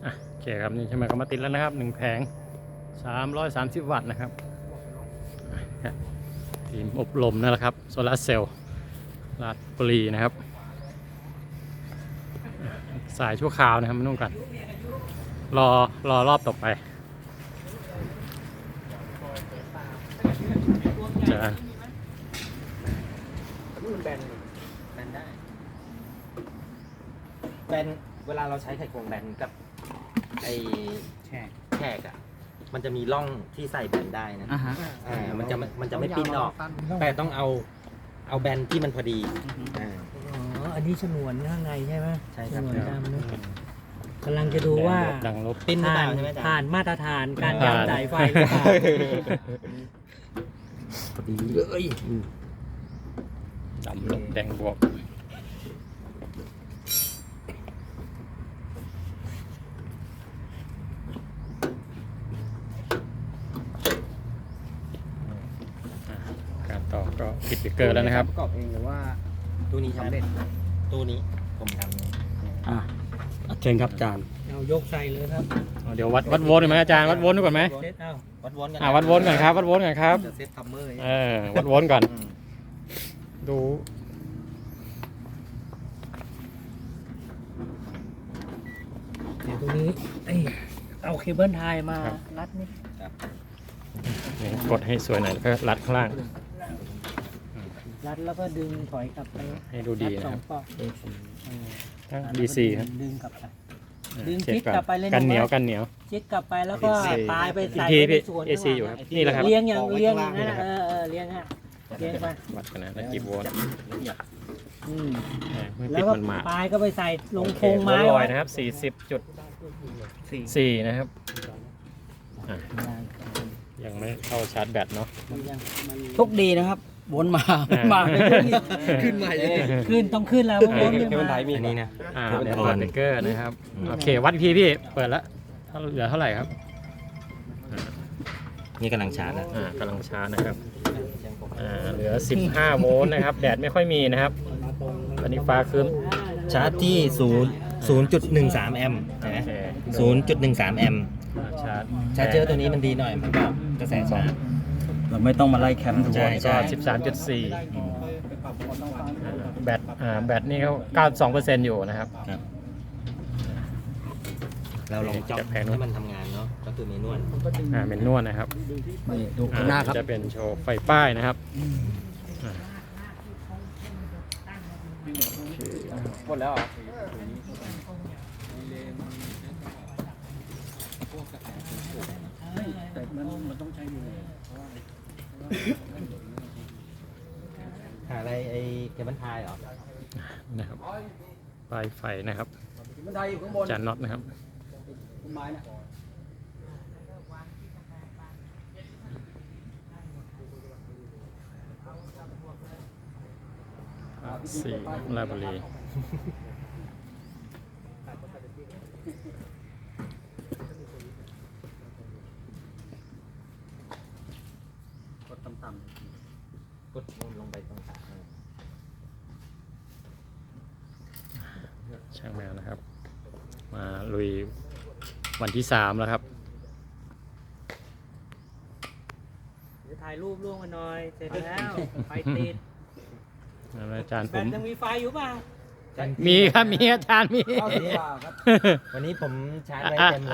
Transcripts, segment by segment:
โอเคครับนี่ใช่ไหมก็มาติดแล้วนะครับ1แผง330 วัตต์นะครับทีมอบรมนั่นแหละครับโซลาร์เซลล์ราชบุรีนะครับสายชั่วคราวนะครับไม่ต้องกันรอรอบต่อไปจะแบนเวลาเราใช้ไขควงแบนกับไอแขกอ่ะมันจะมีร่องที่ใส่แบนได้นะมันจะไม่ปิ้นออกแต่ต้องเอาแบนที่มันพอดีอันนี้ฉนวนข้างในใช่ไหมใช่ครับฉนวนดำนะกำลังจะดูว่าดังลบปิ้นหรือเปผ่าล่าน ใช่ไหมจ๊ะผ่านมาตรฐานการยัดสายไฟหรือเปล่าพอดีเลยดำลบแดงบวกการต่อก็ปิดสติ๊กเกอร์แล้วนะครับประกอบเองหรือว่าตู้นี้ใช่ไหมตู้นี้ผมทำเองเชิญครับอาจารย์เอายกใส่เลยครับเดี๋ยววัดโวลต์ก่อนไหมอาจารย์วัดโวลต์ก่อนไหมเซ็ตเอาวัดวนกันวัดโวลต์ก่อนครับวัดโวลต์ก่อนครับจะเซตทัมเมอร์วัดโวลต์ก่อนดูเดี๋ยวตรงนี้เอาเคเบิลไทยมารัดนี่นี่กดให้สวยหน่อยแล้วก็รัดข้างล่างรัดแล้วก็ดึงถอยกลับไปให้ดูดีนะครับสองปอกทั้ง DC ครับดึงกลับไป ดึงเช็ชิดกลับไปเลยนะกันเหนียวว่ากันเหนียวชิดกลับไปแล้วก็ AC ปลายไปใส่พี่ไว้ในส่วน AC อยู่ครับนี่แหละครับเลี้ยงอย่างเลี้ยงอย่างนั้นนะเลี้ยงฮะเลี้ยงไปวัดกันนะแล้วกี่โวลต์อืมไม่แล้ปิวดก็มันมาปลายก็ไปใส่ลงโอเคโครงไม้ลอยไว้นะครับ 40.4 นะครับยังไม่เข้าชาร์จแบตเนาะโชคดีนะครับวนมามาขึ้นใหม่เลยขึ้นต้องขึ้นแล้วเพราะว่าเนี่ยอันนี้นะเดี๋ยวเปิดสติ๊กเกอร์นะครับโอเควัดอีกทีพี่เปิดแล้วเหลือเท่าไหร่ครับนี่กำลังชาร์จนะกำลังชาร์จนะครับเหลือ15 โวลต์นะครับแดดไม่ค่อยมีนะครับตอนนี้ฟ้าครึ้มชาร์จที่0.13 แอมป์นะโอเค 0.13 แอมป์ชาร์จชาร์จเจอร์ตัวนี้มันดีหน่อยมันบอกกระแสชาร์จเราไม่ต้องมาไล่แคมป์ทุกใช่วันใช่ก็ 13.4แบตนี่เขา92%อยู่นะครับเราลองจ็อกแผงนู้นให้มันทำงานเนาะก็คือเมนวลเป็นนวดนะครับนี่ดูข้างหน้าครับจะเป็นโชว์ไฟป้ายนะครับหมดแล้วเหรอ แต่มันต้องใช้อยู่เลยหาอะไรไอ้เคเบิลไทยเหรอนะครับปลายไฟนะครับมันไดอยู่ข้างบนจานน็อตนะครับต้นไม้เนี่ย 4ราชบุรีกดต่ำกดลงไปตรงขาช่างแมวนะครับ มาลุยวันที่3แล้วครับเดี๋ยวถ่ายรูปร่วมกันหน่อยเสร็จแล้วไฟติดอาจารย์แบผมตยังมีไฟอยู่เปล่ามีครับมีอาจารย์มีๆเข้าสีฟ้าครับวันนี้ผมชาร์จไว้เต็มเลย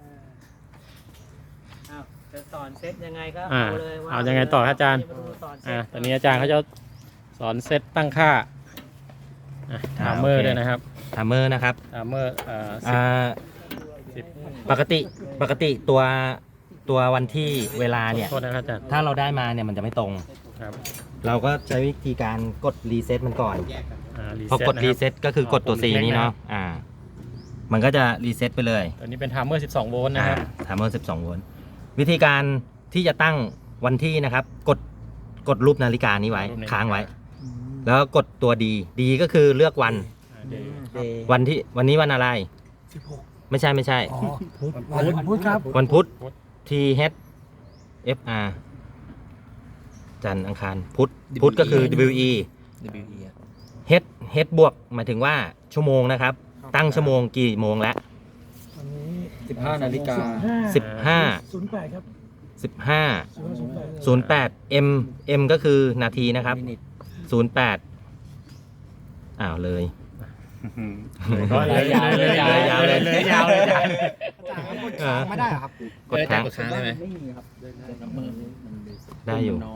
อ้าวจะสอนเซตยังไงก็อ่าเอาเลยว่าเอายังไงต่อครับอาจารย์มดูสอนเซตตอนนี้อาจารย์เขาจะสอนเซตตั้งค่าไทม์เมอร์ด้วยนะครับทัมเมอร์นะครับไทม์เมอร์10 ปกติตัววันที่เวลาเนี่ยโทษนะครับอาจารย์ถ้าเราได้มาเนี่ยมันจะไม่ตรงครับเราก็ใช้วิธีการกดรีเซ็ตมันก่อน พอกดนะครีบเซ็ตก็คือกดตัว C นี้เนาะมันก็จะรีเซ็ตไปเลยตัวนี้เป็นไทม์เมอร์12 โวลต์นะครับทัมเมอร์12 โวลต์วิธีการที่จะตั้งวันที่นะครับ กดรูปนาฬิกานี้ไว้รูปนาฬิกาค้างไว้ แล้วกดตัวดีก็คือเลือกวัน วันนี้วันอะไร ไม่ใช่วันพุธครับวันพุธ T H F R จันทร์อังคารพุธก็คือ W E H บวกหมายถึงว่าชั่วโมงนะครับ ตั้งชั่วโมงกี่โมงแล้ววันนี้ 15 นาฬิกา 15 08 ครับ 15 08 M ก็คือนาทีนะครับ 08อ้าวเลยก็เลยยาวเลยยาวเลยยาวเลยไม่ได้ครับกดค้างได้ไหมไม่มีครับได้อยู่น้อย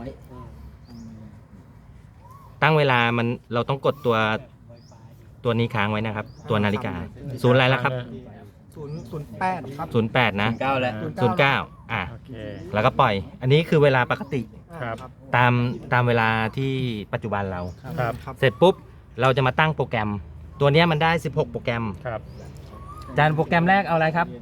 ตั้งเวลามันเราต้องกดตัวนี้ค้างไว้นะครับ ตัวนาฬิกาศูนย์อะไรแล้วครับ 08 ครับ 08 นะ 9แล้ว 09อ่ะโอเคแล้วก็ปล่อย อันนี้คือเวลาปกติครับตามเวลาที่ปัจจุบันเราครับเสร็จปุ๊บ เราจะมาตั้งโปรแกรม ตัวเนี้ยมันได้ 16 โปรแกรมครับจานโปรแกรมแรกเอาอะไรครับ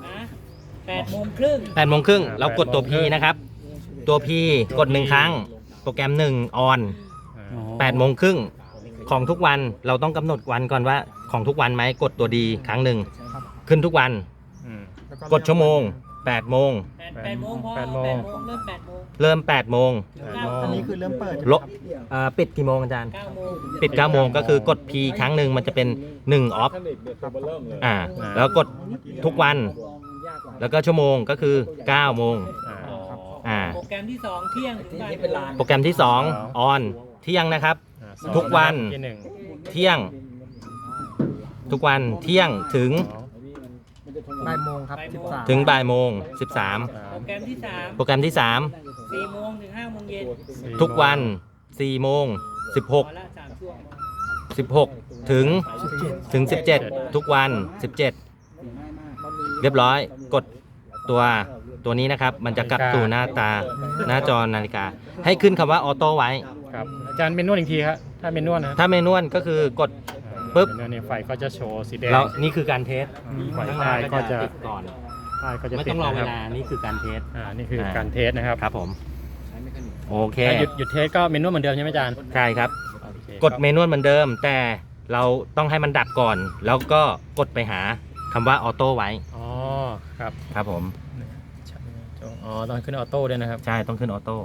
8:30 8 โมงครึ่งเรากดตัว P นะครับ ตัว P กด 1 ครั้ง โปรแกรม1 on 8 โมงครึ่งของทุกวันเราต้องกำหนดวันก่อนว่าของทุกวันไหมกดตัวดีครั้งหนึ่งขึ้นทุกวันอืมกดชั่วโมง 8 โมง 8 โมงพอ 8 โมงเริ่ม 8 โมงเริ่ม 8 โมงอันนี้คือเริ่มเปิดลบปิดกี่โมงอาจารย์ 9 โมงปิด 9 โมงก็คือกด P ครั้งหนึ่งมันจะเป็น1 off แล้วกดทุกวัน แล้วก็ชั่วโมงก็คือ 9 โมงโปรแกรมที่ 2 เที่ยงถึงบ่ายโมงโปรแกรมที่ 2 on เที่ยงนะครับ ทุกวันที่หนึ่งเที่ยง ทุกวันเที่ยงถึงบ่ายโมงครับ 13 ถึงบ่ายโมงโปรแกรมที่ 13 โปรแกรมที่ 3 4 โมงถึง 5 โมงเย็น 3 ทุกวัน 4 โมงพอละ3 ช่วง 16 ถึง 17 ทุกวัน 17 เรียบร้อย กดตัวนี้นะครับ มันจะกลับสู่หน้าจอนาฬิกา ให้ขึ้นคำว่าออโต้ไว้ครับอาจารย์เมนวลอีกทีครับถ้าเมนวลนะถ้าเมนวลก็คือกดปุ๊บเมนวลเนี่ยไฟก็จะโชว์สีแดงแล้วนี่คือการเทสไฟข้างหท้าน้ายก็จะติดก่อนป้ายก็จะไม่ติต้ดองรอนะเวครับลา นี่คือการเทสนี่คือการเทสนะครับครับผม โอเคถ้าหยุดเทสก็เมนวลเหมือนเดิมใช่ไหมอาจารย์ใช่ครับโอเคกดเมนวลเหมือนเดิม แต่เราต้องให้มันดับก่อน แล้วก็กดไปหาคำว่าออโต้ไว้อ๋อครับครับผมอ๋อต้องขึ้นออโต้ด้วยนะครับใช่ต้องขึ้นออโต้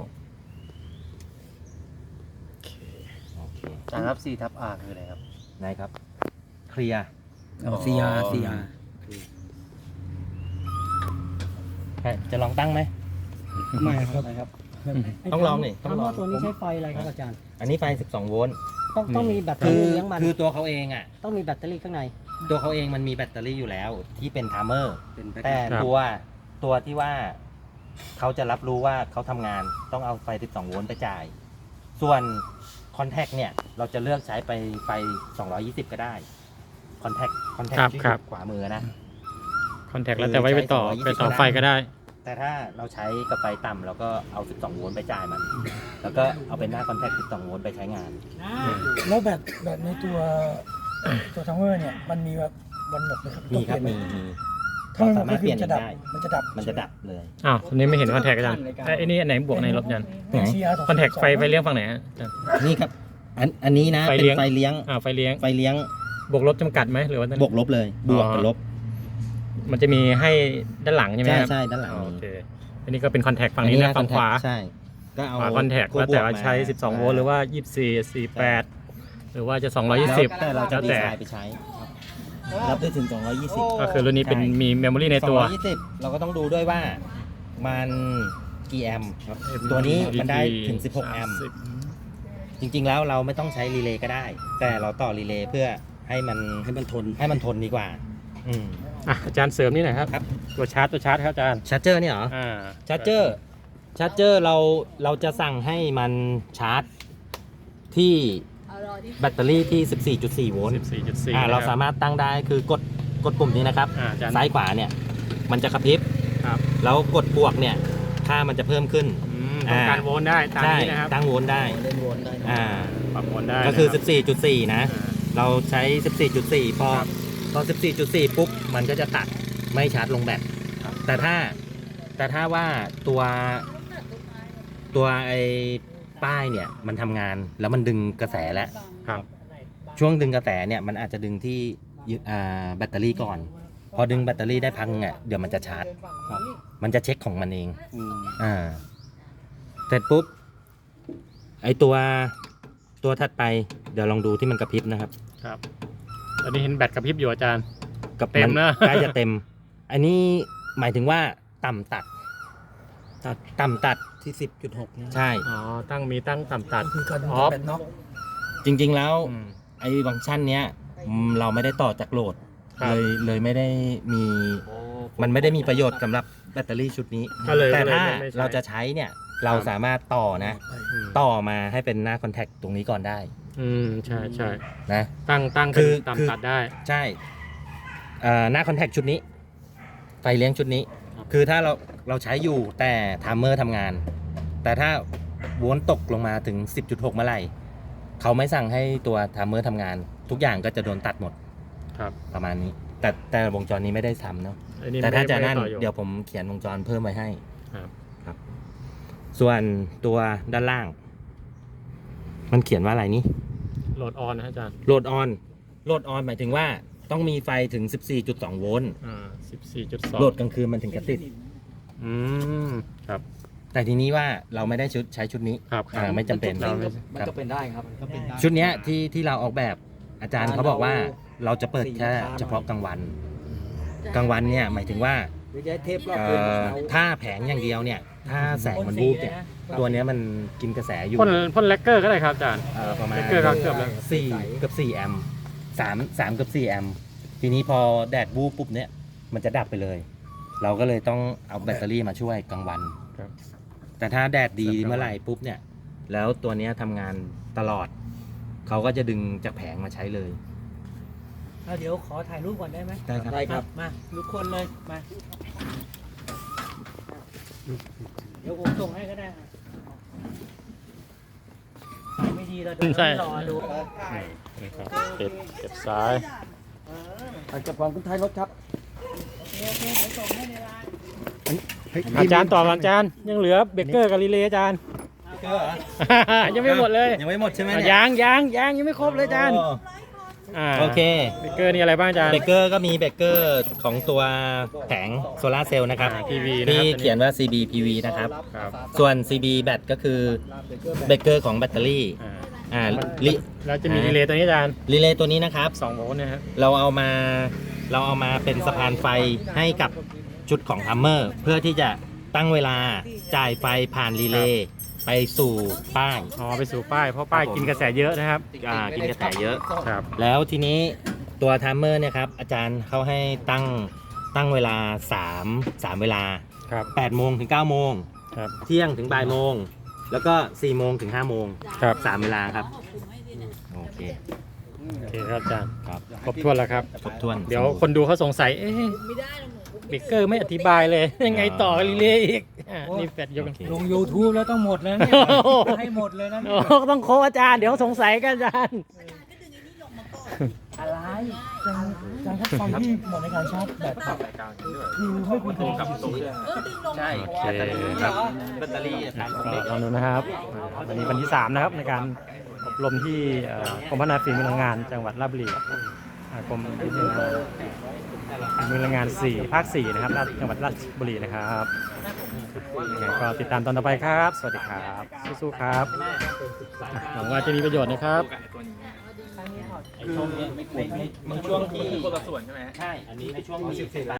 จานครับ 4/R คืออะไรครับไหนครับ เคลียร์ CR จะลองตั้งไหมไม่ครับต้องลองนี่ต้องลองตัวนี้ใช้ไฟอะไรครับอาจารย์อันนี้ไฟ 12 โวลต์ต้องมีแบตเตอคือรี่เลี้ยงมันคือตัวเขาเองอ่ะต้องมีแบตเตอรี่ข้างในตัวเขาเองมันมีแบตเตอรี่อยู่แล้วที่เป็นไทม์เมอร์ แต่ครับตัวที่ว่าเขาจะรับรู้ว่าเขาทำงานต้องเอาไฟ 12 โวลต์ไปจ่าย ส่วนคอนแทคเนี่ย เราจะเลือกใช้ไปไฟ 220 ก็ได้ คอนแทคที่อยู่ขวามือนะคอนแทคแล้วแต่ไว้ไปต่อคือไปใช้ต่อ 220 ไฟก็ได้แต่ถ้าเราใช้กับไฟต่ำเราก็เอา 12 โวลต์ไปจ่ายมัน แล้วก็เอาเป็นหน้าคอนแทค 12 โวลต์ไปใช้งานแล้วแบตในตัวทัมเมอร์เนี่ยมันมีแบบวันหมดไหมครับมีครับต้องมีเปลี่ยนไหถ้ามันหมดก็คือมันจะดับ มันจะดับมันจะดับเลยอ้าวตอนนี้ไม่เห็นคอนแทคอาจารย์ไอ้นี่อันไหนบวกในลบอาจารย์เป็น CR คอนแทคไฟเลี้ยงฝั่งไหนฮะอาจารย์นี่ครับ อันนี้นะไฟเป็นเลี้ยงไฟเลี้ยงไฟเลี้ยงไฟเลี้ยงบวกลบจำกัดไหมหรือว่าบวกลบเลย บวกกับลบมันจะมีให้ด้านหลังใช่ไหมใช่ครับใช่ด้านหลังอ๋อมีโอเคอันนี้ก็เป็นคอนแทคฝั่งนี้นะฝั่งขวาใช่ ก็เอาคอนแทคขั้แล้วแต่ว่าบกมใช้ 12 โวลต์หรือว่า 24 48 หรือว่าจะ 220 แต่เราจะแล้วดีแต่ไซน์ไปใช้ รับได้ถึง 220 ก็คือรุ่นนี้เป็นมีเมมโมรีในตัว 220 เราก็ต้องดูด้วยว่ามันกี่แอมป์ครับตัวนี้มันได้ถึง 16 แอมป์ จริงๆแล้วเราไม่ต้องใช้รีเลย์ก็ได้ แต่เราต่อรีเลย์เพื่อให้มันทนดีกว่า อืมอ่ะอาจารย์เสริมนี่หน่อยครับครับตัวชาร์จครับอาจารย์ชาร์จเจอร์เนี่ยเหรอ ชาร์จเจอร์เราจะสั่งให้มันชาร์จที่แบตเตอรี่ที่ 14.4 โวลต์ 14.4 เราสามารถตั้งได้คือกดปุ่มนี้นะครับอาจารย์ซ้ายขวาเนี่ยมันจะกระพริบครับแล้วกดบวกเนี่ยค่ามันจะเพิ่มขึ้นต้องการโวลต์ได้ตามใช่นี้นะครับตั้งโวลต์ได้อ่าปรับโวลต์ได้ก็คือนะรับ 14.4 นะ เราใช้ 14.4 พอ 14.4 ปุ๊บมันก็จะตัดไม่ชาร์จลงแบตแต่ถ้าว่าตัวไอ้ป้ายเนี่ยมันทำงานแล้วมันดึงกระแสแล้วครับช่วงดึงกระแสเนี่ยมันอาจจะดึงที่แบตเตอรี่ก่อน พอดึงแบตเตอรี่ได้พังอ่ะเดี๋ยวมันจะชาร์จมันจะเช็คของมันเองเสร็จปุ๊บไอตัวถัดไปเดี๋ยวลองดูที่มันกระพริบนะครับครับตอนนี้เห็นแบตกระพริบอยู่อาจารย์กับเต็มนะใกล้จะเต็มอันนี้หมายถึงว่าต่ำตัด ต่ำตัดที่ 10.6เนี่ยใช่อ๋อมีตั้งต่ำตัดคือการออฟแบตน็อกจริงๆแล้วอืมไอ้ฟังก์ชันเนี้ยเราไม่ได้ต่อจากโหลดครับเลยไม่ได้มีมันไม่ได้มีประโยชน์สำหรับแบตเตอรี่ชุดนี้ก็เลยแต่ถ้าไม่ใช้เราจะใช้เนี่ยเราสามารถต่อนะอืมต่อมาให้เป็นหน้าคอนแทคตรงนี้ก่อนได้ใช่ใช่นะตั้งคืเป็นอต่ำตัดได้ใช่หน้าคอนแทคชุดนี้ไฟเลี้ยงชุดนี้ครับคือถ้าเราใช้อยู่แต่ไทม์เมอร์ทำงาน แต่ถ้าวนตกลงมาถึง 10.6 เมื่อไหร่เขาไม่สั่งให้ตัวไทม์เมอร์ทำงาน ทุกอย่างก็จะโดนตัดหมดครับประมาณนี้ แต่วงจรนี้ไม่ได้ทำเนาะอันนี้แต่ถ้าจะไม่นั่นต่ออเดี๋ยวผมเขียนวงจรเพิ่มไว้ให้ครับส่วนตัวด้านล่าง มันเขียนว่าอะไรนี่โหลดออนนะอาจารย์โหลดออนหมายถึงว่าต้องมีไฟถึง 14.2 โวลต์ 14.2 โหลดกลางคืนมันถึงจะติดครับแต่ทีนี้ว่าเราไม่ได้ใช้ชุดนี้ครับไม่จำเป็นมันก็เป็นได้ครับชุดเนี้ยที่เราออกแบบอาจารย์เขาบอกว่าเราจะเปิดแค่เฉพาะกลางวันเนี่ยหมายถึงว่าย้ายเทปรอบคืนถ้าแผงอย่างเดียวเนี่ย ถ้าแสงมันวูบเนี่ยตัวเนี้ยมันกินกระแสอยู่พ่นแลกเกอร์ก็ได้ครับอาจารย์ประมาณแลกเกอร์ก็เกือบแล้ว 4 กับ 4 แอมป์3เกับ 4 แอมป์ทีนี้พอแดดวูบปุ๊บเนี่ยมันจะดับไปเลย เราก็เลยต้องเอาแบตเตอรี่มาช่วยกลางวันครับแต่ถ้าแดดดีเมื่อไหร่ปุ๊บเนี่ยแล้วตัวเนี้ยทำงานตลอดเขาก็จะดึงจากแผงมาใช้เลยเดี๋ยวขอถ่ายรูปก่อนได้ไหมได้ครับได้ครับมาทุกคนเลยมา เดี๋ยวผมส่งให้ก็ได้ถ่ายไม่ดีเราเดี๋ยวใช่รอดูนี่ครับเก็บซ้ายอาจจะของคุณไทยรถครับโอเคเดี๋ยวส่งให้ในไลน์อาจารย์ต่อก่อนอาจารย์ยังเหลือเบเกอร์กับรีเลย์อาจารย์ ยังไม่หมดเลยยังไม่หมดใช่ไหมยังไม่ครบเลยอาจารย์โอเคเบเกอร์นี่อะไรบ้างอาจารย์เบเกอร์ก็มีเบเกอร์ของตัวแผงโซลาร์เซลล์นะครับ PV นะครับที่เขียนว่า CB PV นะครับครับส่วน CB แบตก็คือเบเกอร์ของแบตเตอรี่อ่าลิแล้วจะมีรีเลย์ตัวนี้อาจารย์รีเลย์ตัวนี้นะครับ 2 โวลต์นะครับเราเอามาเป็นสะพานไฟให้กับชุดของทัมเมอร์เพื่อที่จะตั้งเวลาจ่ายไฟผ่านรีเลย์ไปสู่ป้ายอ๋อไปสู่ป้ายเพราะป้ายครับผมกินกระแสเยอะนะครับกินกระแสเยอะครับแล้วทีนี้ตัวทัมเมอร์เนี่ยครับอาจารย์เขาให้ตั้งเวลา3เวลาครับ 8 โมงถึง 9 โมงครับเที่ยงถึงบ่ายโมง แล้วก็ 4 โมงถึง 5 โมงครับ 3 เวลาครับ โอเคโอเคครับอาจารย์ครับครบถ้วนแล้วครับครบถ้วนเดี๋ยวคนดูเขาสงสัย เอ๊ะเบเกอร์ไม่อธิบายเลย ยังไงต่อรีเลย์อีกนี่แฟดยกโอเคลง YouTube แล้วต้องหมดแล้วเนี่ยโอ้โหให้หมดเลยนะโอ้ต้องโค้ชอาจารย์เดี๋ยวสงสัยกันอาจารย์อะไรการครับความที่เหมาะในการชาร์จแบตคือไม่ควรจะกับใช่โอเคครับแบตเตอรี่ตามสเปคลองดูนะครับวันนี้วันที่ 3 นะครับในการอบรมที่กรมพัฒนาฝีมือแรงงานจังหวัดราชบุรีกรมฝีมือแรงงาน 4 ภาค 4 นะครับจังหวัดราชบุรีนะครับยังไงก็ติดตามตอนต่อไปครับ สวัสดีครับสู้ๆครับหวังว่าจะมีประโยชน์นะครับไอ้ช่วงเนี้ยไม่ควรบางช่วงที่คนละส่วนใช่ไหมใช่ อันนี้ในช่วงมี